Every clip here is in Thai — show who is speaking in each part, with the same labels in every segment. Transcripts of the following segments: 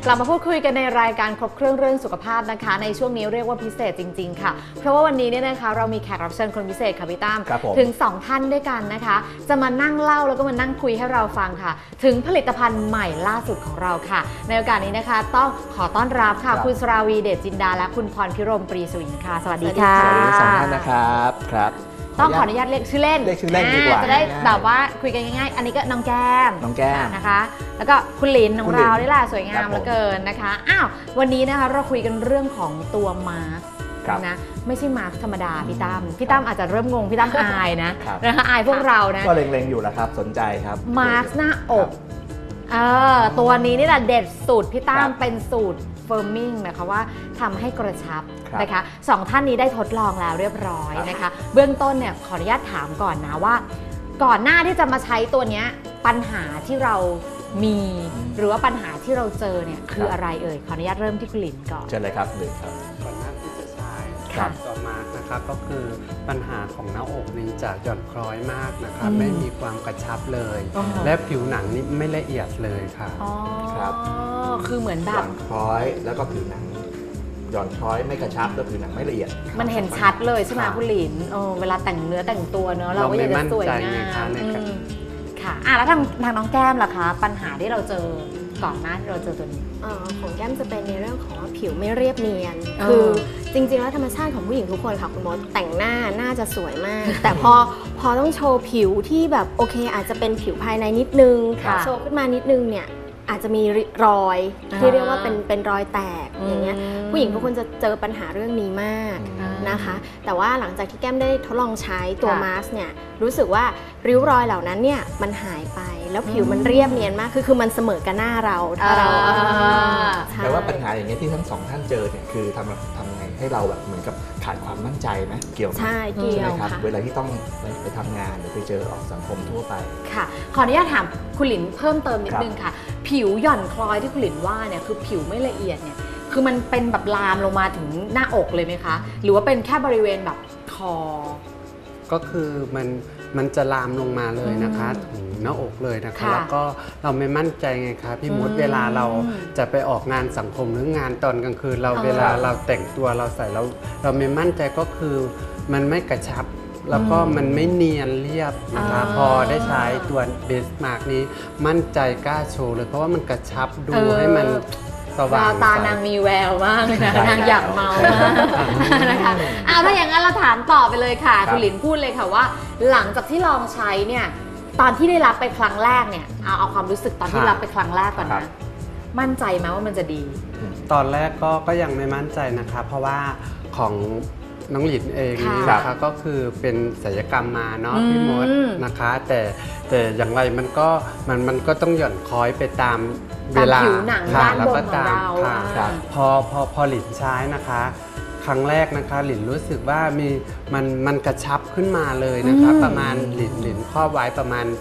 Speaker 1: กลับมาพูดคุยกันในรายการครบเครื่องสุขภาพนะคะในช่วงนี้เรียกว่าพิเศษจริงๆค่ะเพราะว่าวันนี้เนี่ยนะคะเรามีแขกรับเชิญคนพิเศษค่ะพี่ตั้มถึง2ท่านด้วยกันนะคะจะมานั่งเล่าแล้วก็มานั่งคุยให้เราฟังค่ะถึงผลิตภัณฑ์ใหม่ล่าสุดของเราค่ะในโอกาสนี้นะคะต้องขอต้อนรับค่ะคุณสราวีเดชจินดาและคุณพรพิรมปรีสวินค่ะสวัสดีค่ะ
Speaker 2: สวัสดี2ท่านนะครับ
Speaker 1: ต้องขออนุญาตเรียกชื่อเล่น
Speaker 2: ดีกว่า
Speaker 1: จะได้แบบว่าคุยกันง่ายๆอันนี้ก็น้องแก้มนะคะแล้วก็คุณหลินของเราได้ล่ะสวยงามเหลือเกินนะคะอ้าววันนี้นะคะเราคุยกันเรื่องของตัวมาสก์นะไม่ใช่มาสก์ธรรมดาพี่ตั้มอาจจะเริ่มงงพี่ตั้มอายนะคะอายพวกเรานะ
Speaker 2: ก็เล็งๆอยู่แล้วครับสนใจครับ
Speaker 1: มาสก์หน้าอกตัวนี้นี่แหละเด็ดสูตรพี่ตั้มเป็นสูตรเฟิร์มมิ่งหมายความว่าทำให้กระชับนะคะ2ท่านนี้ได้ทดลองแล้วเรียบร้อยนะคะเบื้องต้นเนี่ยขออนุญาตถามก่อนนะว่าก่อนหน้าที่จะมาใช้ตัวนี้ปัญหาที่เรามีหรือว่าปัญหาที่เราเจอเนี่ยคืออะไรเอ่ยขออนุญาตเริ่มที่คุณหลินก่อน
Speaker 2: เชิญเลยครับหลินครับ
Speaker 3: ก่อนหน้าที่จะใช้ตัวมาร์กนะคะก็คือปัญหาของหน้าอกนี้จะหย่อนคล้อยมากนะคะไม่มีความกระชับเลยและผิวหนังนี่ไม่ละเอียดเลยค่ะ
Speaker 2: ครับ
Speaker 1: คือเหมือนแบบ
Speaker 2: หย่อนคล้อยแล้วก็ผิวหนังหย่อนคล้อยไม่กระชับแล้วผิวหนังไม่ละเอียด
Speaker 1: มันเห็นชัดเลยใช่ไหมคุณหลินเวลาแต่งเนื้อแต่งตัวเนอะเราก็อยากจะสวยงามค่ะแล้วทางน้องแก้มล่ะคะปัญหาที่เราเจอก่อนหน้าที่เราเจอตัวนี้
Speaker 4: ของแก้มจะเป็นในเรื่องของผิวไม่เรียบเนียนคือจริงๆแล้วธรรมชาติของผู้หญิงทุกคนค่ะคุณมดแต่งหน้าน่าจะสวยมากแต่พอต้องโชว์ผิวที่แบบโอเคอาจจะเป็นผิวภายในนิดนึงโชว์ขึ้นมานิดนึงเนี่ยอาจจะมีรอยที่เรียกว่าเป็นรอยแตกอย่างเงี้ยผู้หญิงทุกคนจะเจอปัญหาเรื่องนี้มากนะคะแต่ว่าหลังจากที่แก้มได้ทดลองใช้ตัวมาสก์เนี่ยรู้สึกว่าริ้วรอยเหล่านั้นเนี่ยมันหายไปแล้วผิวมันเรียบเนียนมากคือมันเสมอกับหน้าเราถ้าเรา
Speaker 2: แต่ว่าปัญหาอย่างเงี้ยที่ทั้ง2ท่านเจอเนี่ยคือทำไงให้เราแบบเหมือนกับขาดความมั่นใจไหมเกี่ยว
Speaker 4: ใช่เกี่ยว
Speaker 2: ครับเวลาที่ต้องไปทำงานหรือไปเจอออกสังคมทั่วไป
Speaker 1: ค่ะขออนุญาตถามคุณหลินเพิ่มเติมนิดนึงค่ะผิวหย่อนคล้อยที่คุณหลินว่าเนี่ยคือผิวไม่ละเอียดเนี่ยคือมันเป็นแบบลามลงมาถึงหน้าอกเลยไหมคะหรือว่าเป็นแค่บริเวณแบบคอ
Speaker 3: ก็คือมันจะลามลงมาเลยนะคะถึงหน้าอกเลยนะคะแล้วก็เราไม่มั่นใจไงคะพี่มดเวลาเราจะไปออกงานสังคมหรืองานตอนกลางคืนเราเวลาเราแต่งตัวเราใส่เราไม่มั่นใจก็คือมันไม่กระชับแล้วก็มันไม่เนียนเรียบนะคะพอได้ใช้ตัวเบสมาร์กนี้มั่นใจกล้าโชว์เลยเพราะว่ามันกระชับดูให้มันสว่าง
Speaker 1: ตานางมีแววมากนะนางอยากเมามากนะคะถ้าอย่างนั้นเราถามต่อไปเลยค่ะคุณหลินพูดเลยค่ะว่าหลังจากที่ลองใช้เนี่ยตอนที่ได้รับไปครั้งแรกเนี่ยเอาความรู้สึกตอนที่รับไปครั้งแรกก่อนนะมั่นใจไหมว่ามันจะดี
Speaker 3: ตอนแรกก็ยังไม่มั่นใจนะคะเพราะว่าของน้องหลินเองนะคะก็คือเป็นศัลยกรรมมาเนาะพี่มดนะคะแต่อย่างไรมันก็ต้องหย่อนคล้อยไปตามเวลา
Speaker 1: ผิวหนังด้านบนของเรา
Speaker 3: พอหลินใช้นะคะครั้งแรกนะคะหลินรู้สึกว่ามันกระชับขึ้นมาเลยนะคะประมาณหลินครอบไว้ประมาณ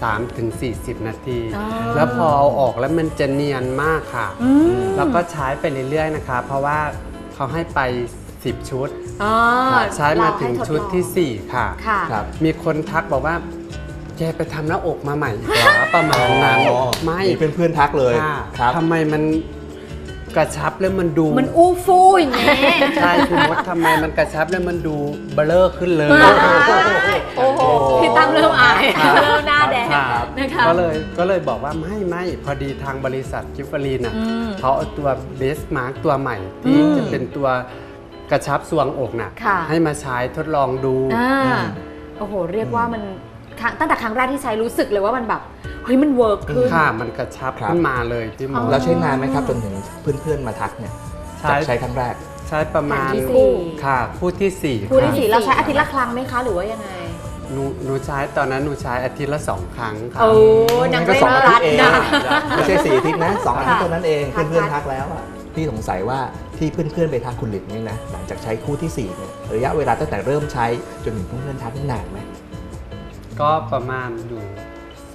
Speaker 3: 3-40 นาทีแล้วพอเอาออกแล้วมันจะเนียนมากค่ะแล้วก็ใช้ไปเรื่อยๆนะคะเพราะว่าเขาให้ไป10 ชุดใช้มาถึงชุดที่4ค่ะมีคนทักบอกว่าแกไปทำหน้าอกมาใหม่อีกเหรอประมาณนั้น
Speaker 2: ไม่เป็นเพื่อนทักเลย
Speaker 3: ทำไมมันกระชับแล้วมันดู
Speaker 1: มันอู้ฟู่อย่างนี้
Speaker 3: ใช่คุณมดทำไมมันกระชับแล้วมันดูเบลอขึ้นเลย
Speaker 1: โอ้โหพี่ตั้มเริ่มอายเริ่มหน้าแดงนะคะ
Speaker 3: ก็เลยบอกว่าไม่พอดีทางบริษัทกิฟฟารีนเขาเอาตัวเบสมาร์กตัวใหม่ที่จะเป็นตัวกระชับทรวงอกน่ะให้มาใช้ทดลองดู
Speaker 1: โอ้โหเรียกว่ามันตั้งแต่ครั้งแรกที่ใช้รู้สึกเลยว่ามันแบบเฮ้ยมันเวิร์กขึ้น
Speaker 3: ค่ะมันกระชับขึ้นมาเลยที่มอง
Speaker 2: แล้วใช้นานไหมครับจนถึงเพื่อนๆมาทักเนี่ยใช้ครั้งแรก
Speaker 3: ใช้ประมาณค่ะคู่ที่4
Speaker 1: เราใช้อาทิตย์ละครั้งไหมคะหรือว่ายังไง
Speaker 3: หนูใช้ตอนนั้นหนูใช้อาทิตย์ละ2 ครั้งค่ะ
Speaker 1: นัง
Speaker 2: ก็2 อาทิตย์เอง
Speaker 1: นะ
Speaker 2: ไม่ใช่4 อาทิตย์นะ2 อาทิตย์เท่านั้นเองเพื่อนๆทักแล้วพี่สงสัยว่าที่เพื่อนๆไปทักคุณหลินนี่นะหลังจากใช้คู่ที่4เนี่ยระยะเวลาตั้งแต่เริ่มใช้จนถึงเพื่อนๆทักนี่นานไหม
Speaker 3: ก็ประมาณอยู่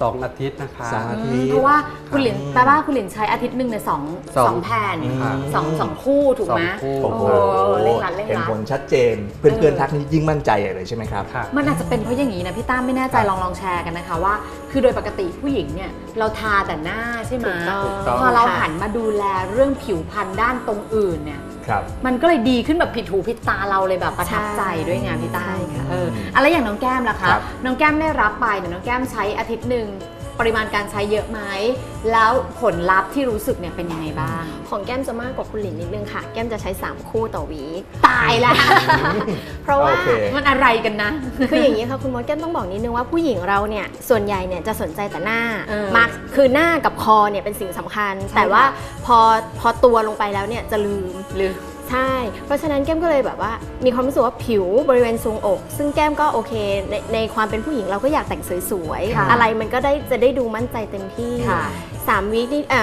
Speaker 3: 2 อาทิตย์นะคะ
Speaker 2: 2 อาทิตย์
Speaker 1: เพราะว่าคุณหลินแปลว่าคุณหลินใช้อาทิตย์หนึ่งในสองแผ่น
Speaker 3: ค่ะ
Speaker 1: สองคู่ถูกไหม
Speaker 3: 2 คู่
Speaker 2: โอ้โห
Speaker 1: เร่งรัดเร่ง
Speaker 2: เห็น
Speaker 1: รัด
Speaker 2: ผลชัดเจน เพื่อนๆทักนี่ยิ่งมั่นใจเลยใช่ไหมครับ
Speaker 3: ค่ะ
Speaker 1: มันอาจจะเป็นเพราะอย่างนี้นะพี่ตั้มไม่แน่ใจ
Speaker 2: ครับ
Speaker 1: ลองแชร์กันนะคะว่า คือโดยปกติผู้หญิงเนี่ยเราทาแต่หน้าใช่ไหม
Speaker 4: ถูกต้อง
Speaker 3: ถูกต้อง
Speaker 1: พอเรา
Speaker 4: ค่ะ
Speaker 1: หันมาดูแลเรื่องผิวพรรณด้านตรงอื่นเนี่ย
Speaker 2: ครับ
Speaker 1: มันก็เลยดีขึ้นแบบผิดหูผิดตาเราเลยแบบประทับใจด้วยไงพี่ตั้ม
Speaker 4: ใช่ค่ะ
Speaker 1: อะไรอย่างน้องแก้มล่ะคะ
Speaker 2: ครับ
Speaker 1: น้องแก้มได้รับไปเนี่ยน้องแก้มใช้อาทิตย์หนึ่งปริมาณการใช้เยอะไหมแล้วผลลัพธ์ที่รู้สึกเนี่ยเป็นยังไงบ้าง
Speaker 4: ของแก้มจะมากกว่าคุณหลินนิดนึงค่ะ แก้มจะใช้ 3 คู่ต่อวีค
Speaker 1: ตายแล้ว
Speaker 4: เพราะว่า
Speaker 2: โอเค
Speaker 1: มันอะไรกันนะ
Speaker 4: คืออย่างนี้ค่ะคุณมดแก้มต้องบอกนิดนึงว่าผู้หญิงเราเนี่ยส่วนใหญ่เนี่ยจะสนใจแต่หน้า
Speaker 1: เออ
Speaker 4: มาร์คคือหน้ากับคอเนี่ยเป็นสิ่งสำคัญ
Speaker 1: ใช่
Speaker 4: แต่ว่า
Speaker 1: ค่ะ
Speaker 4: พอตัวลงไปแล้วเนี่ยจะลืม
Speaker 1: หรือ
Speaker 4: ใช่ เพราะฉะนั้นแก้มก็เลยแบบว่ามีความรู้สึกว่าผิวบริเวณทรวงอก ซึ่งแก้มก็โอเคในความเป็นผู้หญิงเราก็อยากแต่งสวย
Speaker 1: ค่ะ
Speaker 4: ๆอะไรมันก็จะได้ดูมั่นใจเต็มที่
Speaker 1: ค่ะ
Speaker 4: 3 วีคนี่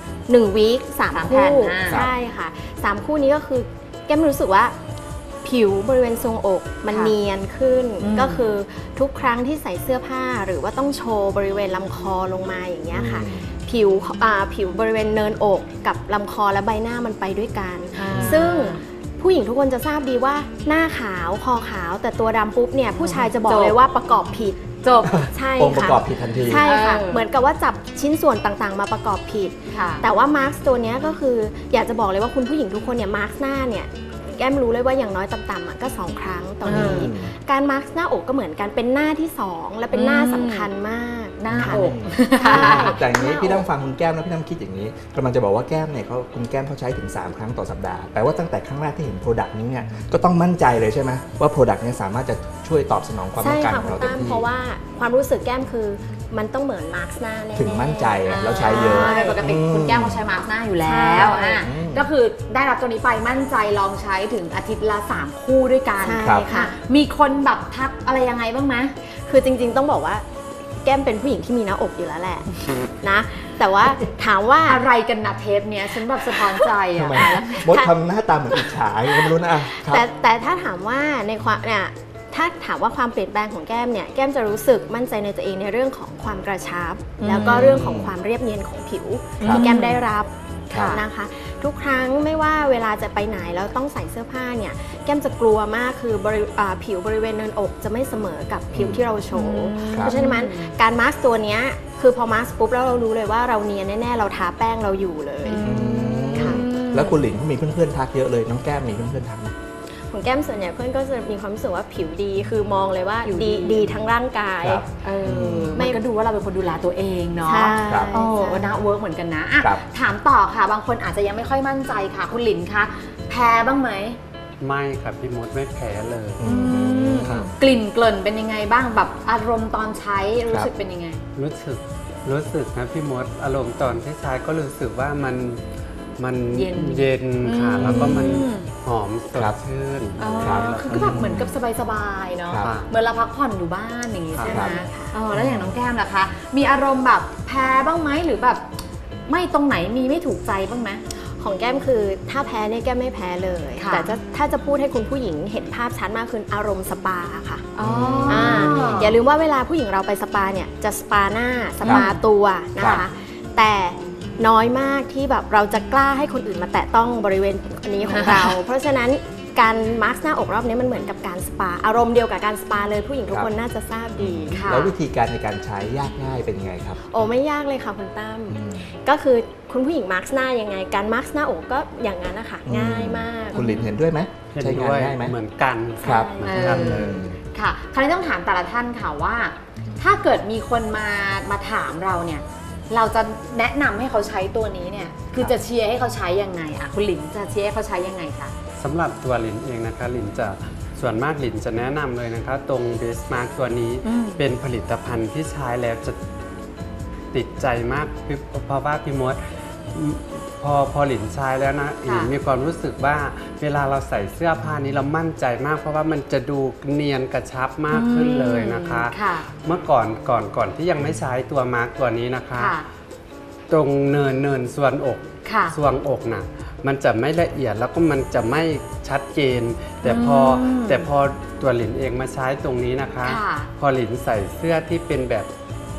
Speaker 4: 1 วีค
Speaker 1: สาม
Speaker 4: 3
Speaker 1: แผ่น
Speaker 4: คู่
Speaker 1: หน้า
Speaker 4: ใช่ค่ะ 3 คู่นี้ก็คือแก้มรู้สึกว่า ผิวบริเวณทรวงอกมัน
Speaker 1: ค่ะ
Speaker 4: เนียนขึ้น
Speaker 1: อืม
Speaker 4: ก็คือทุกครั้งที่ใส่เสื้อผ้าหรือว่าต้องโชว์บริเวณลำคอลงมาอย่างเงี้ยค่ะ ผิวบริเวณเนินอกกับลำคอและใบหน้ามันไปด้วยกัน ซึ่งผู้หญิงทุกคนจะทราบดีว่าหน้าขาวคอขาว แต่ตัวดำปุ๊บเนี่ยผู้ชายจะบอก
Speaker 1: จบ
Speaker 4: เลยว่าประกอบผิด
Speaker 1: จบ
Speaker 4: ใช่
Speaker 2: องค์ประ
Speaker 4: ค่ะ
Speaker 2: กอบผิดทันที
Speaker 4: ใช่ค่ะ
Speaker 1: เออ
Speaker 4: เหมือนกับว่าจับชิ้นส่วนต่างๆ มาประกอบผิด
Speaker 1: ค่ะ
Speaker 4: แต่ว่ามาร์คตัวเนี้ยก็คืออยากจะบอกเลยว่าคุณผู้หญิงทุกคนเนี่ยมาร์คหน้าเนี่ยแก้มรู้เลยว่าอย่างน้อยต่ำๆอ่ะก็ 2 ครั้งต่อวีค
Speaker 2: อืม
Speaker 4: การมาร์คหน้าอกก็เหมือนกันเป็นหน้าที่ 2 และเป็นหน้าสำคัญมาก
Speaker 1: หน้า
Speaker 4: ค่ะ
Speaker 1: อก
Speaker 4: ใช่
Speaker 2: แต่อย่างนี้พี่น้ำฟังคุณแก้มแล้วพี่น้ำคิดอย่างนี้กำลังจะบอกว่าแก้มเนี่ยคุณแก้มเขาใช้ถึง 3 ครั้งต่อสัปดาห์แปลว่าตั้งแต่ครั้งแรกที่เห็นโปรดักต์นี้เนี่ยก็ต้องมั่นใจเลยใช่ไหมว่าโปรดักต์นี้สามารถจะช่วยตอบสนองความต้
Speaker 4: ใช่
Speaker 2: องการ
Speaker 4: ค่ะ
Speaker 2: ของ
Speaker 4: คุณ
Speaker 2: เราเต็ม
Speaker 4: ตั้ม
Speaker 2: ที่
Speaker 4: เพราะว่าความรู้สึกแก้มคือมันต้องเหมือนมาร์คหน้าแน่ๆ
Speaker 2: ถึงมั่นใจอะแล้วใช้เยอะ
Speaker 1: โดยปกติคุณแก้มเขาใช้มาร์คหน้าอยู่แล้ว
Speaker 4: ใช่
Speaker 1: อ่ะก็คือได้รับตัวนี้ไปมั่นใจลองใช้ถึงอาทิตย์ละ 3 คู่ด้วยกัน
Speaker 4: ใช่
Speaker 2: ครับ
Speaker 4: ค่ะ
Speaker 1: มีคนแบบทักอะไรยังไงบ้างไหม
Speaker 4: คือจริงๆต้องบอกว่าแก้มเป็นผู้หญิงที่มีหน้าอกอยู่แล้วแหละนะ แต่ว่าถามว่า
Speaker 1: อะไรกันนะเทปเนี้ยฉันแบบสะท้อนใจ
Speaker 2: ทำ
Speaker 1: อ่ะ
Speaker 2: ไมมดทำหน้าตาเหมือนอิจฉาก็ไม่รู้นะอ่ะครับ
Speaker 4: แต่ถ้าถามว่าในความเนี่ยถ้าถามว่าความเปลี่ยนแปลงของแก้มเนี่ยแก้มจะรู้สึกมั่นใจในตัวเองในเรื่องของความกระชับ แล้วก็เรื่องของความเรียบเนียนของผิว
Speaker 2: ครับ
Speaker 4: ที่แก้มได้รับ
Speaker 2: ครับ
Speaker 4: นะคะ ทุกครั้งไม่ว่าเวลาจะไปไหนแล้วต้องใส่เสื้อผ้าเนี่ยแก้มจะกลัวมากคืผิวบริเวณเนินอกจะไม่เสมอกับผิวที่เราโชว์
Speaker 2: ครับ
Speaker 4: เพราะฉะนั้นการมาสก์ตัวเนี้ยคือพอมาสก์ปุ๊บแล้วเรารู้เลยว่าเราเนียนแน่ๆเราทาแป้งเราอยู่เลย ค่ะ
Speaker 2: แล้วคุณหลินเขามีเพื่อนๆทักเยอะเลยน้องแก้มมีเพื่อนๆทักไหม
Speaker 4: ของแก้มส่วนใหญ่เพื่อนก็จะมีความรู้สึกว่าผิวดีคือมองเลยว่า
Speaker 1: ผิวดี
Speaker 4: ดีทั้งร่างกาย
Speaker 2: ครับ
Speaker 1: ไม่ก็ดูว่าเราเป็นคนดูแลตัวเองเนาะ
Speaker 4: ใช่
Speaker 2: ครับ
Speaker 1: โอ้
Speaker 4: ใช่
Speaker 1: น่าเวิร์กเหมือนกันนะอ่ะ
Speaker 2: ครับ
Speaker 1: ถามต่อค่ะ บางคนอาจจะยังไม่ค่อยมั่นใจค่ะ คุณหลินคะแพ้บ้างไหม
Speaker 3: ไม่ครับพี่มดไม่แพ้เลย ครับ
Speaker 1: กลิ่นเกลิ่นเป็นยังไงบ้างแบบอารมณ์ตอนใช้รู้สึกเป็นยังไง
Speaker 3: รู้สึกนะพี่มดอารมณ์ตอนที่ใช้ก็รู้สึกว่ามัน
Speaker 1: เย็น
Speaker 3: เย็นค่ะ แล้วก็มัน
Speaker 1: อืม
Speaker 3: หอมสด
Speaker 2: ครับ
Speaker 3: ชื่น
Speaker 1: อ๋อ
Speaker 2: ครับ
Speaker 1: คือก็แบบเหมือนกับสบายๆเนาะ
Speaker 2: ครับ
Speaker 1: เหมือนเราพักผ่อนอยู่บ้านอย่างงี้ใช่ไหม
Speaker 2: ครับ
Speaker 1: แล้วอย่างน้องแก้มล่ะคะ มีอารมณ์แบบแพ้บ้างไหมหรือแบบไม่ตรงไหนมีไม่ถูกใจบ้างไหม
Speaker 4: ของแก้มคือถ้าแพ้เนี่ยแก้มไม่แพ้เลย
Speaker 1: ค่ะ
Speaker 4: แต่ถ้าจะพูดให้คุณผู้หญิงเห็นภาพชัดมากคืออารมณ์สปาค่ะ
Speaker 1: อ๋อ
Speaker 4: อย่าลืมว่าเวลาผู้หญิงเราไปสปาเนี่ยจะสปาหน้าสปาตัวนะ
Speaker 2: ครั
Speaker 4: คะ
Speaker 2: บ
Speaker 4: แต่น้อยมากที่แบบเราจะกล้าให้คนอื่นมาแตะต้องบริเวณอันนี้ของเรา เพราะฉะนั้นการมาร์คหน้าอกรอบนี้มันเหมือนกับการสปาอารมณ์เดียวกับการสปาเลยผู้หญิงทุกคนน่าจะทราบดี
Speaker 1: ค่ะ
Speaker 2: แล้ววิธีการในการใช้ยากง่ายเป็นยังไงครับ
Speaker 4: โอ้ไม่ยากเลยค่ะคุณตั้ม
Speaker 2: อืม
Speaker 4: ก็คือคุณผู้หญิงมาร์คหน้ายังไง การมาร์คหน้าอกก็อย่างนั้นนะคะง่ายมาก
Speaker 2: คุณหลินเห็นด้วยไหม
Speaker 3: เห็น
Speaker 2: ใช้งาน
Speaker 3: ด้วย
Speaker 2: ง่ายไหม
Speaker 3: เหมือนกัน
Speaker 2: ครับ
Speaker 3: เหมือนกันเลย
Speaker 1: ค่ะ คราวนี้ต้องถามแต่ละท่านค่ะว่า ถ้าเกิดมีคนมาถามเราเนี่ย เราจะแนะนำให้เขาใช้ตัวนี้เนี่ย คือจะเชียร์ให้เขาใช้ยังไงอะคุณหลินจะเชียร์ให้เขาใช้ยังไงคะ
Speaker 3: สำหรับตัวหลินเองนะคะหลินจะส่วนมากหลินจะแนะนำเลยนะคะ ตรงเบสมาร์กตัวนี้
Speaker 1: อืม
Speaker 3: เป็นผลิตภัณฑ์ที่ใช้แล้วจะติดใจมากเพราะว่าพี่มดพอหลินใช้แล้วนะหลินมีความรู้สึกว่าเวลาเราใส่เสื้อผ้านี้เรามั่นใจมาก เพราะว่ามันจะดูเนียนกระชับมากขึ้นเลยนะคะ
Speaker 1: ค่ะ
Speaker 3: เมื่อก่อนที่ยังไม่ใช้ตัวมาร์กตัวนี้นะคะ
Speaker 1: ค่ะ
Speaker 3: ตรงเนินส่วนอก
Speaker 1: ค่ะ
Speaker 3: ส่วงอกน่ะมันจะไม่ละเอียดแล้วก็มันจะไม่ชัดเจน แต่พอตัวหลินเองมาใช้ตรงนี้นะคะ
Speaker 1: ค่ะ
Speaker 3: พอหลินใส่เสื้อที่เป็นแบบ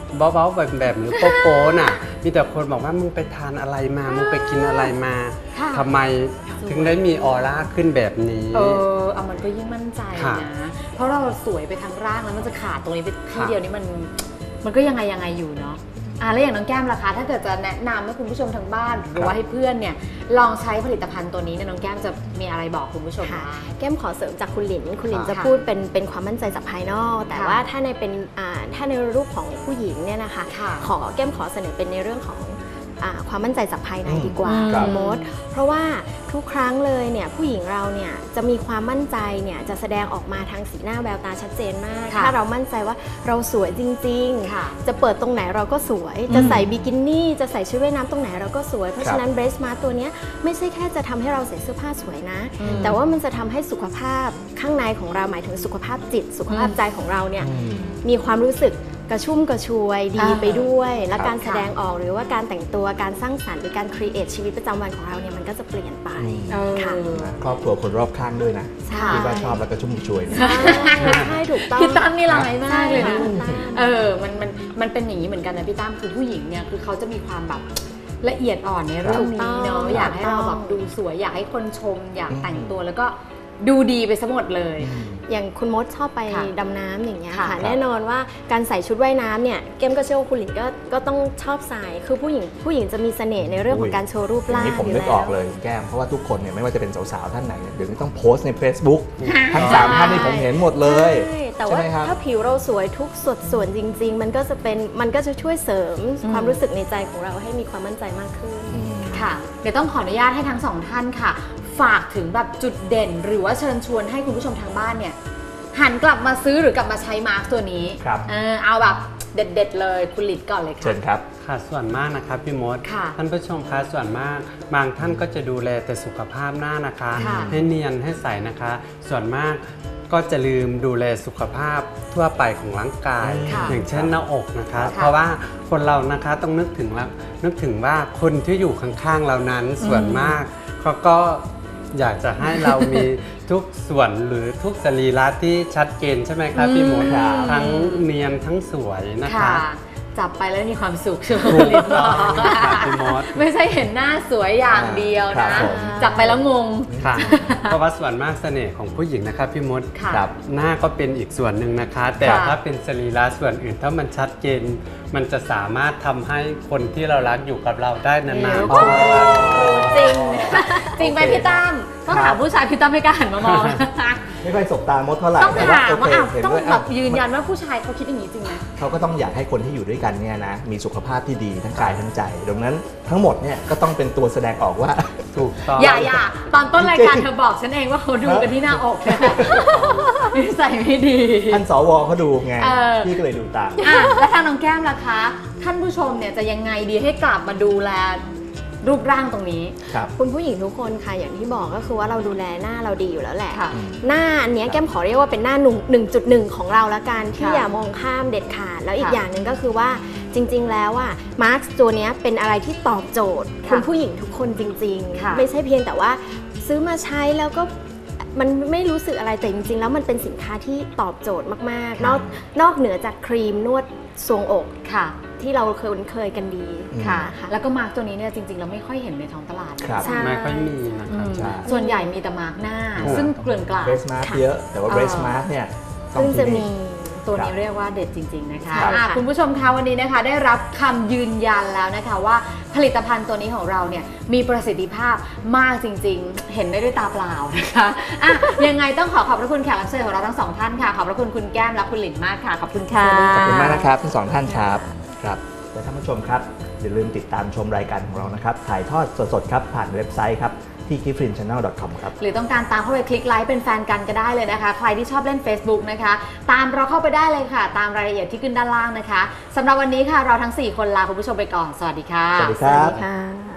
Speaker 3: เบาๆแบบหรือโป๊ะๆน่ะมีแต่คนบอกว่ามึงไปทานอะไรมามึงไปกินอะไรมา
Speaker 1: ค่ะ
Speaker 3: ทำไมถึงได้มีออร่าขึ้นแบบนี้
Speaker 1: เอามันก็ยิ่งมั่นใจ
Speaker 3: ค่ะ
Speaker 1: นะ เพราะเราสวยไปทั้งร่างแล้วมันจะขาดตรงนี้ไปที่
Speaker 3: ค่ะ
Speaker 1: เดียวนี้มันก็ยังไงอยู่เนาะแล้วอย่างน้องแก้มล่ะคะถ้าเกิดจะแนะนำให้คุณผู้ชมทางบ้านหรือว่าให้เพื่อนเนี่ยลองใช้ผลิตภัณฑ์ตัวนี้เนี่ยน้องแก้มจะมีอะไรบอกคุณผู้ชม
Speaker 4: ค่ะ
Speaker 1: บ้าง
Speaker 4: แก้มขอเสริมจากคุณหลินจะ
Speaker 1: ค่ะ
Speaker 4: พูดเป็นความมั่นใจจากภายนอก แต่
Speaker 1: ค่ะ
Speaker 4: ว่าถ้าในรูปของผู้หญิงเนี่ยนะคะ
Speaker 1: ค่ะ
Speaker 4: แก้มขอเสนอเป็นในเรื่องของความมั่นใจจากภายในดีกว่า
Speaker 1: ครับ
Speaker 4: คุณมดเพราะว่าทุกครั้งเลยเนี่ยผู้หญิงเราเนี่ยจะมีความมั่นใจเนี่ยจะแสดงออกมาทางสีหน้าแววตาชัดเจนมาก
Speaker 1: ค่ะ
Speaker 4: ถ้าเรามั่นใจว่าเราสวยจริง
Speaker 1: ค่ะ
Speaker 4: ๆ จะเปิดตรงไหนเราก็สวย จะใส่บิกินี่จะใส่ชุดว่ายน้ำตรงไหนเราก็สวย เพราะฉะนั้นเบรสมาตัวเนี้ยไม่ใช่แค่จะทำให้เราใส่เสื้อผ้าสวยนะ แต่ว่ามันจะทำให้สุขภาพข้างในของเราหมายถึงสุขภาพจิต สุขภาพใจของเราเนี่ยมีความรู้สึกกระชุ่มกระชวยดีไปด้วย และการแสดงออกหรือว่าการแต่งตัวการสร้างสรรค์หรือการครีเอทชีวิตประจำวันของเราเนี่ยมันก็จะเปลี่ยนไปค่ะ
Speaker 2: ครอบครัวคนรอบข้างด้วยนะ
Speaker 4: ใช่
Speaker 2: ที่ว่าชอบแล้วก็ชุ่มช่วยนะ
Speaker 4: ใช่ถูกต้อง
Speaker 1: พี่ตั้มนี่ร้ายมากเลยนะ
Speaker 4: ใช่
Speaker 1: มันเป็นอย่างนี้เหมือนกันนะพี่ตั้มคือผู้หญิงเนี่ยคือเขาจะมีความแบบละเอียดอ่อนในเรื่องนี้เนาะอยากให้เราแบบดูสวยอยากให้คนชม อยากแต่งตัวแล้วก็ดูดีไปซะหมดเลย
Speaker 4: อย่างคุณมดชอบไป
Speaker 1: ค่ะ
Speaker 4: ดำน้ำอย่างเงี้ย
Speaker 1: ค่ะ
Speaker 4: ค่ะแน่นอนว่าการใส่ชุดว่ายน้ำเนี่ยเกมก็เชื่อว่าคุณหลินก็ต้องชอบใส่คือผู้หญิงจะมีเสน่ห์ในเรื่องของการโชว์รูป
Speaker 2: อย่าง
Speaker 4: ร่าง
Speaker 2: นี้ผม
Speaker 4: อยู่
Speaker 2: นึก
Speaker 4: แล้
Speaker 2: อ
Speaker 4: ว
Speaker 2: อกเลยแก้มเพราะว่าทุกคนเนี่ยไม่ว่าจะเป็นสาวๆท่านไหนเนี่ยเดี๋ยวนี้ต้องโพสต์ใน Facebook ทั้ง3ท่านนี่ผมเห็นหมดเลย
Speaker 4: ใช่แต่ว่า
Speaker 2: ใช่ไหมครับ
Speaker 4: ถ้าผิวเราสวยทุกส่วนจริง ๆ มันก็จะช่วยเสริมความรู้สึกในใจของเราให้มีความมั่นใจมากขึ้น
Speaker 1: ค่ะเดี๋ยวต้องขออนุญาตให้ทั้งสองท่านค่ะ ฝากถึงแบบจุดเด่น หรือว่าเชิญชวนให้คุณผู้ชมทางบ้านเนี่ยหันกลับมาซื้อหรือกลับมาใช้มาร์คตัวนี้
Speaker 2: ครับ
Speaker 1: เอาแบบเด็ดๆเลยคุณหลิดก่อนเลยค่ะ
Speaker 2: เชิญครับ
Speaker 3: ค่ะส่วนมากนะครับพี่มด
Speaker 1: ค่ะ
Speaker 3: ท่านผู้ชมคะส่วนมากบางท่านก็จะดูแลแต่สุขภาพหน้านะคะ
Speaker 1: ค่ะ
Speaker 3: ให้เนียนให้ใสนะคะ ส่วนมากก็จะลืมดูแลสุขภาพทั่วไปของร่างกาย
Speaker 1: ค่ะ
Speaker 3: อย่างเช่นหน้าอกนะคะ
Speaker 1: ค่ะ
Speaker 3: เพราะว่าคนเรานะคะต้องนึกถึงว่าคนที่อยู่ข้างๆเรานั้นส่วนมากเขาก็อยากจะให้เรามีทุกส่วนหรือทุกสรีระที่ชัดเจนใช่ไหมครับพี่มด
Speaker 2: ครับ
Speaker 3: ทั้งเนียนทั้งสวยนะคะ
Speaker 1: ค่ะ จับไปแล้วมีความสุขใช่ไหม
Speaker 3: ถู
Speaker 1: คุณ
Speaker 3: ก
Speaker 1: หลิดบ
Speaker 3: ต้
Speaker 1: อ
Speaker 3: อง
Speaker 1: ก
Speaker 3: ค่ะพี่มด
Speaker 1: ไม่ใช่เห็นหน้าสวยอย่างเดียว
Speaker 2: ครั
Speaker 1: นะ
Speaker 2: บผม
Speaker 1: จับไปแล้วงง
Speaker 3: ค่ะ เพราะว่าส่วนมากเสน่ห์ของผู้หญิงนะครับพี่มด
Speaker 1: ค่ะ
Speaker 2: ครับ
Speaker 3: หน้าก็เป็นอีกส่วนหนึ่งนะคะ แต่
Speaker 1: ค่ะ
Speaker 3: ถ้าเป็นสรีระส่วนอื่นถ้ามันชัดเจน มันจะสามารถทำให้คนที่เรารักอยู่กับเราได้นานๆ
Speaker 1: โอ้จริงจริงไหมพี่ตั้มต้องถามผู้ชายพี่ตั้มไม่กล้าหันมามอง
Speaker 2: ไม่ค่อยสบตามดเท่าไหร่
Speaker 1: ต้อง
Speaker 2: แต่
Speaker 1: ถาม
Speaker 2: โอ
Speaker 1: ว่า
Speaker 2: เค
Speaker 1: อ้าว
Speaker 2: เห็น
Speaker 1: ต้อง
Speaker 2: ด้วย
Speaker 1: แบบยืนยันว่าผู้ชายเขาคิดอย่างนี้จริงไหม
Speaker 2: เขาก็ต้องอยากให้คนที่อยู่ด้วยกันเนี่ยนะมีสุขภาพที่ดีทั้งกายทั้งใจ ดังนั้นทั้งหมดเนี่ยก็ต้องเป็นตัวแสดงออกว่า
Speaker 3: ถูกต้อง
Speaker 1: อย่าตอนต้นรายการเธอบอกฉันเองว่าเขาดูกันที่หน้าอกเนี่ยนิสัยไม่ดี
Speaker 2: ท่านสวเขาดูไง
Speaker 1: เออ
Speaker 2: พี่ก็เลยดูตาม
Speaker 1: แล้วทางน้องแก้มล่ะคะ ท่านผู้ชมเนี่ยจะยังไงดีให้กลับมาดูแลรูปร่างตรงนี้
Speaker 2: ครับ
Speaker 4: คุณผู้หญิงทุกคนค่ะอย่างที่บอกก็คือว่าเราดูแลหน้าเราดีอยู่แล้วแหละ
Speaker 1: ค่ะ
Speaker 4: หน้าอันเนี้ยแก้มขอเรียกว่าเป็นหน้า1.1 ของเราละกันที่
Speaker 1: ค่ะ
Speaker 4: อย่ามองข้ามเด็ดขาดแล้วอีก
Speaker 1: ค่ะ
Speaker 4: อย่างหนึ่งก็คือว่าจริง ๆ แล้วอ่ะมาร์คตัวเนี้ยเป็นอะไรที่ตอบโจทย์
Speaker 1: ค่ะ
Speaker 4: คุณผู้หญิงทุกคนจริง
Speaker 1: ค่ะ
Speaker 4: ๆ ไม่ใช่เพียงแต่ว่าซื้อมาใช้แล้วก็มันไม่รู้สึกอะไรแต่จริง ๆ แล้วมันเป็นสินค้าที่ตอบโจทย์มากๆ นอกเหนือจากครีมนวดทรวงอก
Speaker 1: ค่ะ
Speaker 4: ที่เราเคยกันดี
Speaker 1: ค่ะ
Speaker 4: นะคะ
Speaker 1: แล้วก็มาร์กตัวนี้เนี่ยจริงๆเราไม่ค่อยเห็นในท้องตลาด
Speaker 2: ครับ
Speaker 4: ใช่
Speaker 3: ไม่ค่อยมีนะครับ
Speaker 2: ใช่
Speaker 1: ส่วนใหญ่มีแต่มาร์กหน้า
Speaker 2: ถูก
Speaker 1: ซึ่งเกลื่อนกลาด
Speaker 2: เบสมาร์เยอะ แต่ว่า
Speaker 1: เออ
Speaker 2: เบสมาร์เนี่ยต้อง
Speaker 4: ซึ่งจะ
Speaker 2: ที่
Speaker 4: มี
Speaker 2: นี่
Speaker 1: ตัว
Speaker 2: ครั
Speaker 1: นี้
Speaker 2: บ
Speaker 1: เรียกว่าเด็ดจริง ๆ นะคะ
Speaker 4: ใช่ค่ะ
Speaker 1: คุณผู้ชมคะวันนี้นะคะได้รับคำยืนยันแล้วนะคะว่าผลิตภัณฑ์ตัวนี้ของเราเนี่ยมีประสิทธิภาพมากจริง ๆ เห็นได้ด้วยตาเปล่านะคะยังไงต้องขอบพระคุณแขกรับเชิญของเราทั้งสองท่านค่ะขอบพระคุณคุณแก้มและคุณหลินมากค่ะขอบคุณค่ะ
Speaker 2: ขอบคุณมากนะครับทั้งสองท่านครับครับและท่านผู้ชมครับอย่าลืมติดตามชมรายการของเรานะครับถ่ายทอดสดๆครับผ่านเว็บไซต์ครับที่ gifrinchannel.com ครับ
Speaker 1: หรือต้องการตามเข้าไปคลิกไลค์เป็นแฟนกันก็ได้เลยนะคะ ใครที่ชอบเล่น Facebook นะคะ ตามเราเข้าไปได้เลยค่ะ ตามรายละเอียดที่ขึ้นด้านล่างนะคะสำหรับวันนี้ค่ะเราทั้ง 4 คนลาคุณผู้ชมไปก่อน สวัสดีค่ะ
Speaker 2: สวัสดี
Speaker 4: สวัสดีค่ะ